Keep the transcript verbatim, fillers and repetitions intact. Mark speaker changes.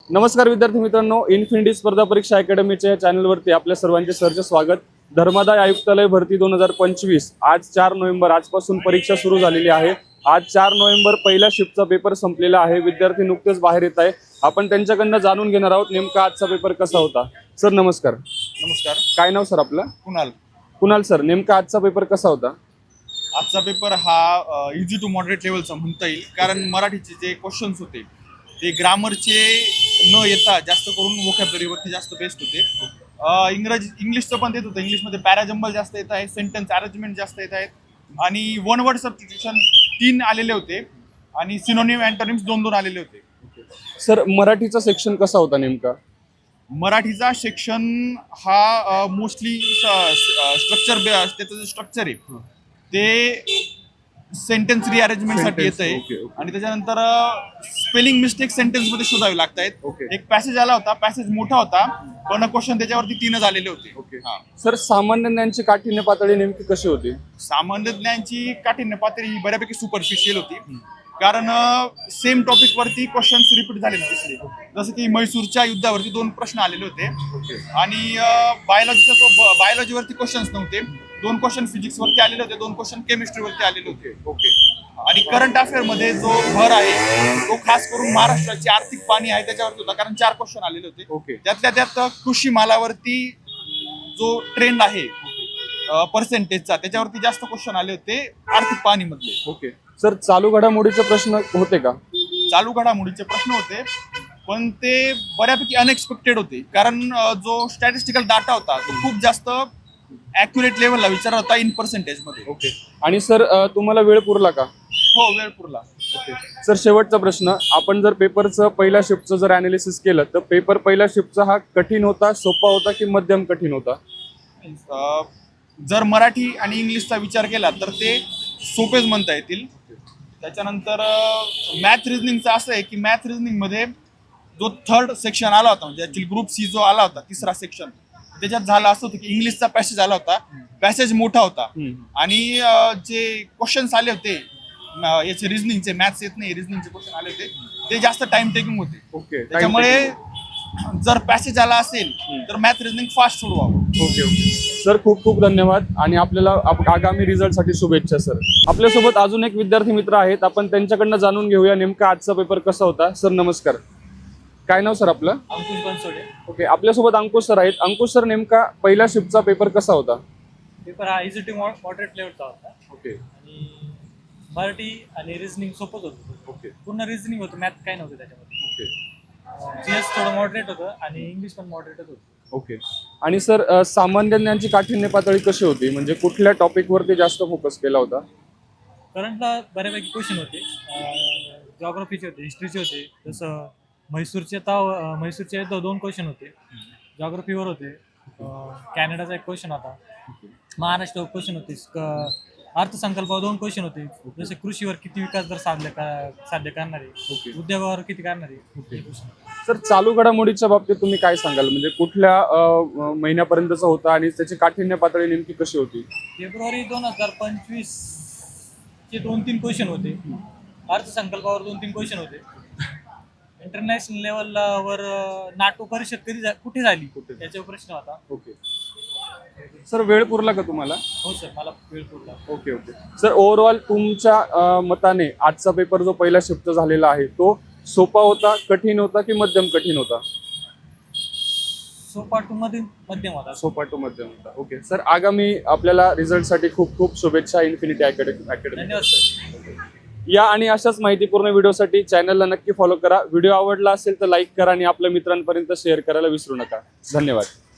Speaker 1: नमस्कार विद्यार्थी मित्रांनो, इन्फिनिटी स्पर्धा परीक्षा अकॅडमीच्या चॅनलवरती आपल्या सर्वांचे सहर्ष स्वागत। धर्मादाय आयुक्तालय भरती दोन हजार पंचवीस आज चार नोव्हेंबर आजपासून परीक्षा सुरू झालेली आहे। आज चार नोव्हेंबर पहिल्या शिफ्टचा पेपर संपलेला आहे। विद्यार्थी नुकतेच बाहेर येत आहे। आपण त्यांच्याकडनं जाणून घेणार आहोत नेमका आजचा पेपर कसा होता। सर नमस्कार।
Speaker 2: नमस्कार।
Speaker 1: काय नाव सर आपलं?
Speaker 2: कुणाल।
Speaker 1: कुणाल सर, नेमका आजचा पेपर कसा होता?
Speaker 2: आजचा पेपर हा इझी टू मॉडरेट लेवलचा म्हणता येईल, कारण मराठीचे जे क्वेश्चन्स होते ते ग्रामरचे न येता जास्त करून वोकॅब्युलरीवरती जास्त बेस्ड होते। इंग्रजी इंग्लिशचं पण देत होतं, इंग्लिशमध्ये पॅराजंबल जास्त येत आहे, सेंटेन्स अरेंजमेंट जास्त येत आहेत आणि वन वर्ड सबस्टिट्यूशन तीन आलेले होते आणि सिनोनिम अँटोनिम्स दोन दोन आलेले होते।
Speaker 1: सर मराठीचा सेक्शन कसा होता नेमका?
Speaker 2: मराठीचा सेक्शन हा मोस्टली स्ट्रक्चर त्याचं जे स्ट्रक्चर आहे ते सेंटेन्स रिअरेंजमेंटसाठी येत आहे आणि त्याच्यानंतर स्पेलिंग मिस्टेक सेंटेन्स मध्ये शोधावे लागत आहेत। एक पॅसेज आला होता, पॅसेज मोठा होता पण क्वेश्चन त्याच्यावरती तीनच आलेले होते।
Speaker 1: सर सामान्य ज्ञानची काठिण्य पातळी नेमकी कशी होती?
Speaker 2: सामान्य ज्ञानची काठिण्य पातळी ही बऱ्यापैकी सुपरफिशियल होती, कारण सेम टॉपिक वरती क्वेश्चन्स रिपीट झालेले दिसले। जसं की म्हैसूरच्या युद्धावरती दोन प्रश्न आलेले होते आणि बायोलॉजीचा जो बायोलॉजीवरती क्वेश्चन्स नव्हते, दोन क्वेश्चन फिजिक्स वरती आलेले होते, दोन क्वेश्चन केमिस्ट्री वरती आलेले होते। ओके। आणि करंट अफेअर मध्ये जो भर आहे तो खास करून महाराष्ट्राची आर्थिक पाणी आहे त्याच्यावरती होता, कारण चार क्वेश्चन आलेले होते। ओके। त्यातल्या त्यात कृषी मालावरती जो ट्रेंड आहे पर्सेंटेजचा त्याच्यावरती जास्त क्वेश्चन आले होते आर्थिक पाणी मधले।
Speaker 1: ओके। सर चालू घडामोडीचे प्रश्न होते का?
Speaker 2: चालू घडामोडीचे प्रश्न होते पण ते बऱ्यापैकी अनएक्सपेक्टेड होते, कारण जो स्टॅटिस्टिकल डाटा होता तो खूप जास्त ॲक्युरेट लेवलला विचारला होता इन पर्सेंटेज मध्ये।
Speaker 1: ओके। आणि सर तुम्हाला वेळ पुरला का?
Speaker 2: हो, वेळ पुरला।
Speaker 1: ओके। सर शेवटचा प्रश्न, आपण जर पेपरचं पहिल्या शिफ्टचं जर अनालिसिस केलं तर पेपर पहिल्या शिफ्टचा हा कठीण होता, सोपा होता की मध्यम कठीण होता?
Speaker 2: जर मराठी आणि इंग्लिशचा विचार केला तर ते सोपेच म्हणता येतील। त्याच्यानंतर मॅथ रिजनिंगचं असं आहे की मॅथ रिजनिंग मध्ये जो थर्ड सेक्शन आला होता, म्हणजे ऍक्च्युअली ग्रुप सी जो आला होता तिसरा सेक्शन, त्याच्यात झालं असं होतं की इंग्लिशचा पॅसेज आला होता, पॅसेज मोठा होता आणि जे क्वेश्चन्स आले होते याचे रिजनिंगचे, मॅथ्स येत नाही रिजनिंगचे क्वेश्चन आले होते ते जास्त टाइम टेकिंग होते।
Speaker 1: ओके।
Speaker 2: त्याच्यामुळे जर पॅसेज आला असेल तर मॅथ रिजनिंग फास्ट सोडवावं।
Speaker 1: ओके ओके सर, खूप खूप धन्यवाद आणि आपल्याला आगामी रिझल्टसाठी शुभेच्छा सर। आपल्यासोबत अजून एक विद्यार्थी मित्र आहेत, आपण त्यांच्याकडनं जाणून घेऊया नेमका आजचा पेपर कसा होता। सर नमस्कार। काय नाव सर आपलं?
Speaker 3: अंकुश बनसोडे।
Speaker 1: ओके। आपल्यासोबत अंकुश सर आहेत। अंकुश सर, नेमका पहिल्या शिफ्टचा पेपर कसा होता?
Speaker 3: पेपर हा इझी टू मॉडरेट लेवलचा होता।
Speaker 1: ओके।
Speaker 3: आणि मराठी आणि रिझनिंग सोपंच होतं।
Speaker 1: ओके।
Speaker 3: पूर्ण रिझनिंग होतं, मॅथ काय नव्हतं त्याच्यामध्ये।
Speaker 1: ओके।
Speaker 3: जीएस थोडं मॉडरेट होतं आणि इंग्लिश पण मॉडरेटच होतं।
Speaker 1: ओके। आणि सर सामान्य ज्ञानची काठिण्य पातळी कशी होती, म्हणजे कुठल्या टॉपिकवरती जास्त फोकस केला होता?
Speaker 3: करंटला बऱ्यापैकी क्वेश्चन होते, जॉग्राफीचे होते, हिस्ट्रीचे होते। जसं म्हैसूरचे ताव म्हैसूरचे दोन क्वेश्चन होते, जॉग्राफीवर होते, कॅनडाचा एक क्वेश्चन होता, महाराष्ट्रावर क्वेश्चन होते, अर्थसंकल्पावर दोन क्वेश्चन होते, जसे कृषीवर किती विकास दर साध्य साध्य करणारे, उद्योगावर किती करणारे।
Speaker 1: सर चालू घडामोडीच्या बाबतीत तुम्ही काय सांगाल, म्हणजे कुठल्या महिन्यापर्यंतचा होता आणि त्याची काठिण्य पातळी नेमकी कशी होती?
Speaker 3: फेब्रुवारी दोन हजार पंचवीस चे दोन तीन क्वेश्चन होते, अर्थसंकल्पावर दोन तीन क्वेश्चन होते, इंटरनॅशनल लेवलवर नाटो परिषद कधी कुठे झाली त्याच्यावर प्रश्न होता।
Speaker 1: ओके सर, वेळ पुरला का तुम्हाला?
Speaker 3: हो सर, मला वेळ पुरला।
Speaker 1: ओके ओके सर, ओव्हरऑल तुमच्या मताने आजचा पेपर जो पहिला शिफ्ट झालेला आहे तो सोपा होता, कठीण होता की मध्यम कठीण होता?
Speaker 3: सोपा टू मध्यम मध्यम होता।
Speaker 1: सोपा टू मध्यम होता। ओके सर, आगामी आपल्याला रिझल्टसाठी खूप खूप शुभेच्छा इन्फिनिटी अकॅडमी अकॅडमी।
Speaker 3: धन्यवाद सर।
Speaker 1: या आणि अशाच माहितीपूर्ण व्हिडिओसाठी चॅनलला नक्की फॉलो करा। व्हिडिओ आवडला असेल तर लाईक करा आणि आपल्या मित्रांपर्यंत शेअर करायला विसरू नका। धन्यवाद।